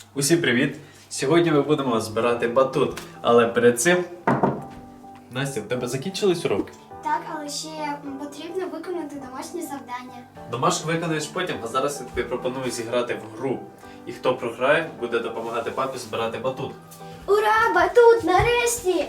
Усім привіт! Сьогодні ми будемо збирати батут, але перед цим... Настя, в тебе закінчились уроки? Так, але ще потрібно виконати домашнє завдання. Домашку виконаєш потім, а зараз я тобі пропоную зіграти в гру. І хто програє, буде допомагати папі збирати батут. Ура, батут, нарешті!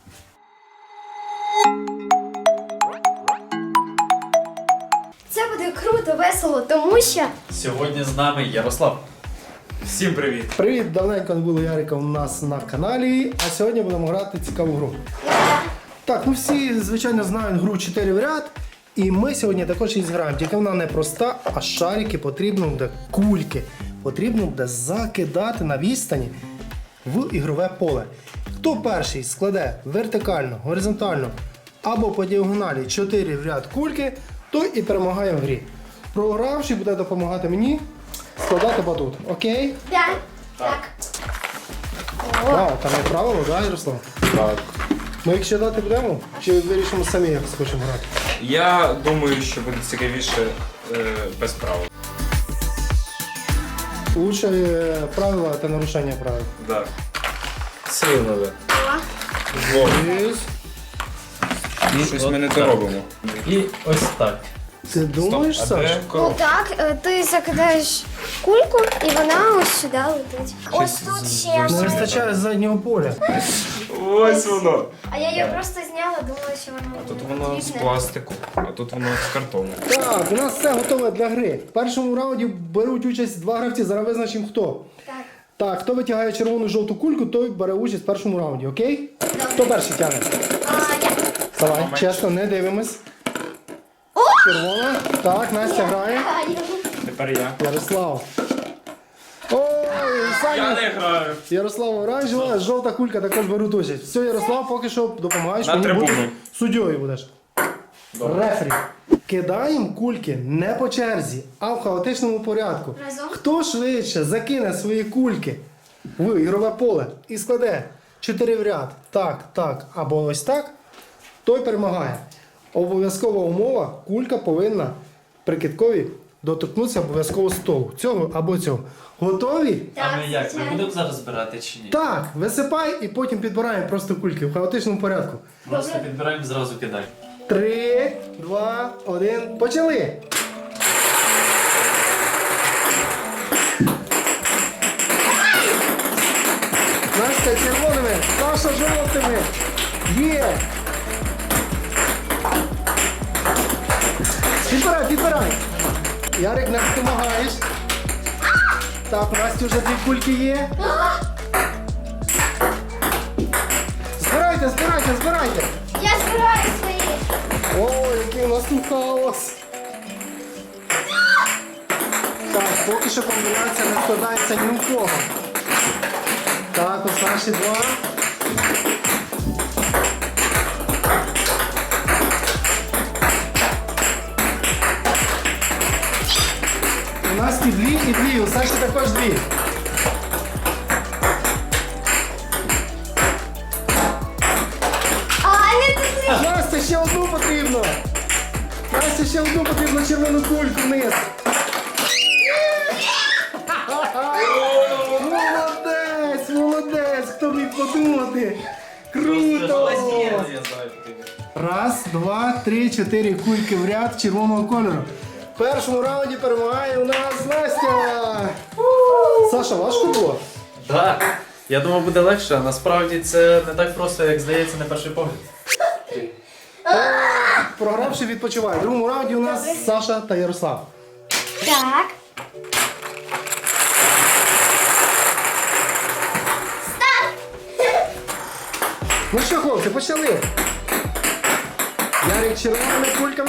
Це буде круто, весело, тому що... Сьогодні з нами Ярослав. Всім привіт! Привіт! Давненько не було Ярика у нас на каналі, а сьогодні будемо грати цікаву гру. Так, ну всі, звичайно, знають гру 4 в ряд, і ми сьогодні також її зіграємо. Тільки вона не проста, а шарики потрібно буде кульки. Потрібно буде закидати на відстані в ігрове поле. Хто перший складе вертикально, горизонтально або по діагоналі 4 в ряд кульки, той і перемагає в грі. Програвший буде допомагати мені складати батут. Окей? Так. Так. Вау, там є правило, так, Ярослав? Так. Ми їх ще дати будемо? Чи вирішимо самі, як хочемо грати? Я думаю, що буде цікавіше без правил. Лучше правила та нарушення правил. Так. Сильно, да. Єс. Щось ми не то робимо. І ось так. Ти думаєш, Стоп, а де Саш? Ну коробка? так, ти закидаєш кульку і вона ось сюди летить. Ось тут ще Не одна. вистачає заднього поля. Ось воно. А я її просто зняла, думала, що вона А тут буде воно з потрібна. пластику, а тут воно з картону. Так, у нас все готове для гри. В першому раунді беруть участь 2 гравці, зараз визначимо хто. Так. Так, хто витягає червону жовту кульку, той бере участь в першому раунді, окей? Хто перший тягне? Я. Давай, чесно, не дивимось. Червона. Так, Настя грає. Тепер я. Ярослав. Ой, Саня. граю. Ярослав оранжева, жовта кулька також беруть участь. Все, Ярослав, поки що допомагаєш, На мені трибуну. бути суддєю будеш. Рефері. Кидаємо кульки не по черзі, а в хаотичному порядку. Разом? Хто швидше закине свої кульки в ігрове поле і складе 4 в ряд, так, або ось так, той перемагає. Обов'язкова умова, кулька повинна при киткові доторкнутися обов'язково столу. Цього або цього. Готові? А ми як? Ми звичайно. будемо зараз збирати чи ні? Так, висипай і потім підбираємо просто кульки в хаотичному порядку. Просто підбираємо, зразу кидаємо. 3, 2, 1, почали! Настя червоними, Саша жовтими. Є! Підбирай! Ярик, не допомагаєш. Так, у Насті вже 2 кульки є. Збирайте! Я збираю свої. Ой, який у нас тут хаос! Так, поки що комбінація не складається ні у кого. Так, ось наші 2. У нас і 2, і 2, у Саші також 2. А, не туди. Настя, ще одну потрібно! Настя, ще одну потрібно червону кульку вниз. Молодець! Хто міг подумати? Круто! Раз, 2, 3, 4 кульки в ряд червоного кольору. В першому раунді перемагає у нас Настя! Саша, важко було? Так. Я думав, буде легше, а насправді це не так просто, як здається на перший погляд. Програвши відпочиває. В другому раунді у нас Саша та Ярослав. Так. Ну що, хлопці, почали. Ярик червоними кульками.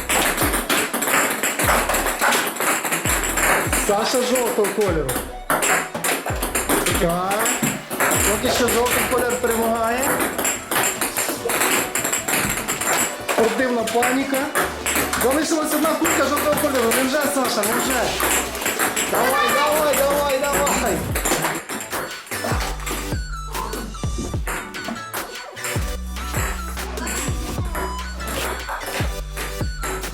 Саша жовтого кольору. Так. Поки що жовтий кольор перемагає. Спортивна паніка. Залишилась одна кулька жовтого кольору. Невже, Саша, невже? Давай.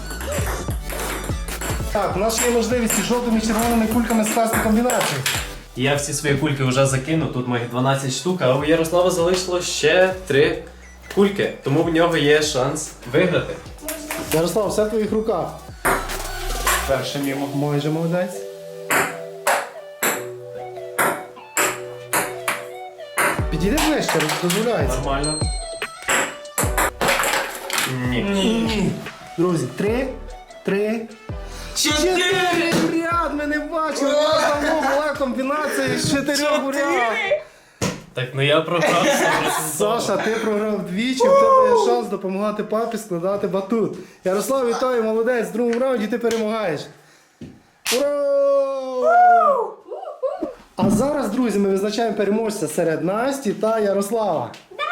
Так, у нас є можливість із жовтими і червоними кульками скласти комбінацію. Я всі свої кульки вже закинув, тут моїх 12 штук, а у Ярослава залишило ще 3 кульки, тому в нього є шанс виграти. Ярослав, все в твоїх руках. Перше мімо. Майже молодець. Підійди ближче, дозволяється. Нормально. Ні. Друзі, 3, 4 в ряд! Ми не бачили, у нас давно була комбінація з 4 в ряд. Так, ну я програв. Саша, ти програв двічі, в тебе є шанс допомагати папі складати батут. Ярослав, вітаю, молодець, в другому раунді ти перемагаєш. Ура! А зараз, друзі, ми визначаємо переможця серед Насті та Ярослава.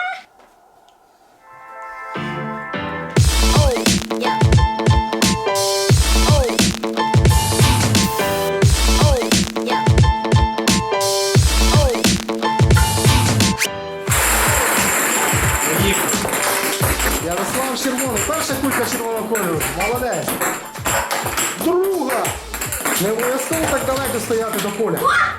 Ярослав червоний, перша кулька червоного кольору, молодець. Друга! Не обов'язково так далеко стояти до поля.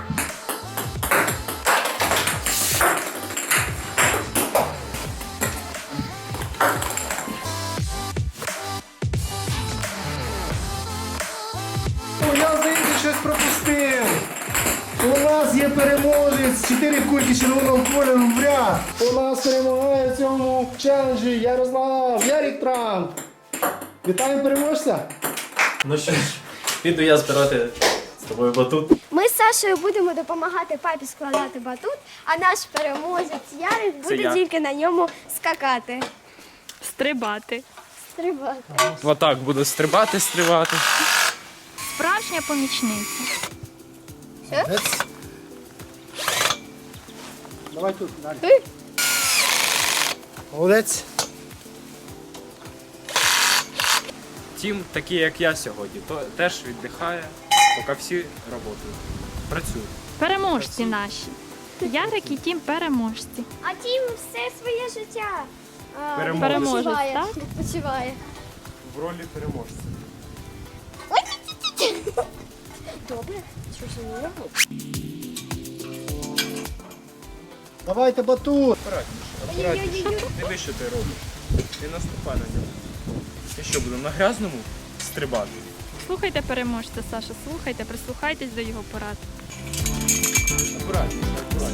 О, я, здається, щось пропустив. У нас є переможець, 4 кульки червоного кольору в ряд. У нас перемагає в цьому челенджі Ярослав Ярік Трамп. Вітаємо переможця. Ну що ж, піду я збирати з тобою батут. Ми з Сашою будемо допомагати папі складати батут, а наш переможець Ярик буде я. тільки на ньому скакати. Стрибати. Стрибати. Отак буду стрибати. Справжня помічниця. Давай тут, далі. Молодець. Тім, такий як я сьогодні, то теж віддихає, поки всі працюють. Переможці наші. Ярик і Тім переможці. А Тім все своє життя Переможець, відпочиває. так? Відпочиває. В ролі переможця. Добре, що ж не робить? Давайте батут. Ой-ой-ой. Диви, що ти робиш. Ти наступай на нього. І що, будемо на грязному стрибати? Слухайте переможця, Саша, слухайте, прислухайтесь до його порад. Акуратніше.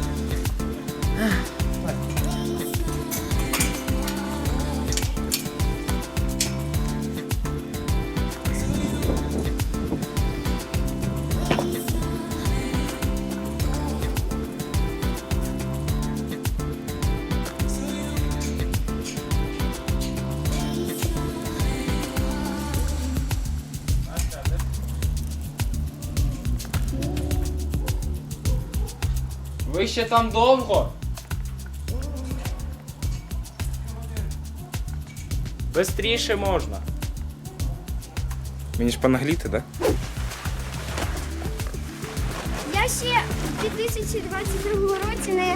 Ви ще там довго? Бистріше можна. Мені ж понагліти, так? Я ще в 2022 році не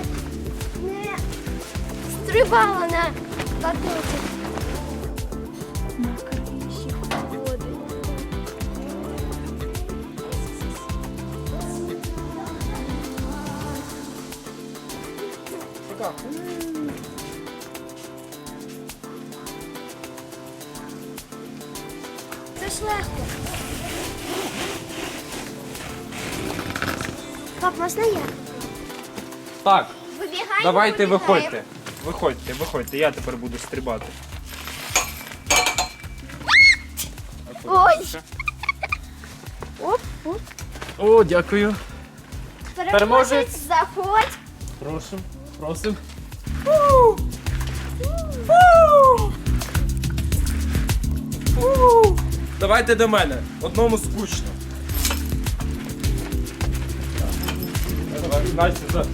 стрибала на батуті. На криші ходить. Це ж легко. Пап, можна я? Так, Вибігай. давайте вибігаємо. виходьте, я тепер буду стрибати. Ой. Оп, оп. О, дякую. Переможець, заходь. Прошу, просим. Давайте до мене. Одному скучно. Настя,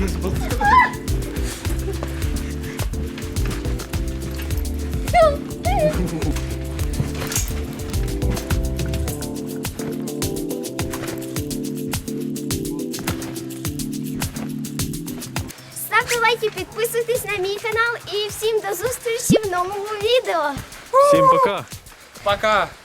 Ставте лайки, підписуйтесь на мій канал і всім до зустрічі в новому відео. Всім пока. пока.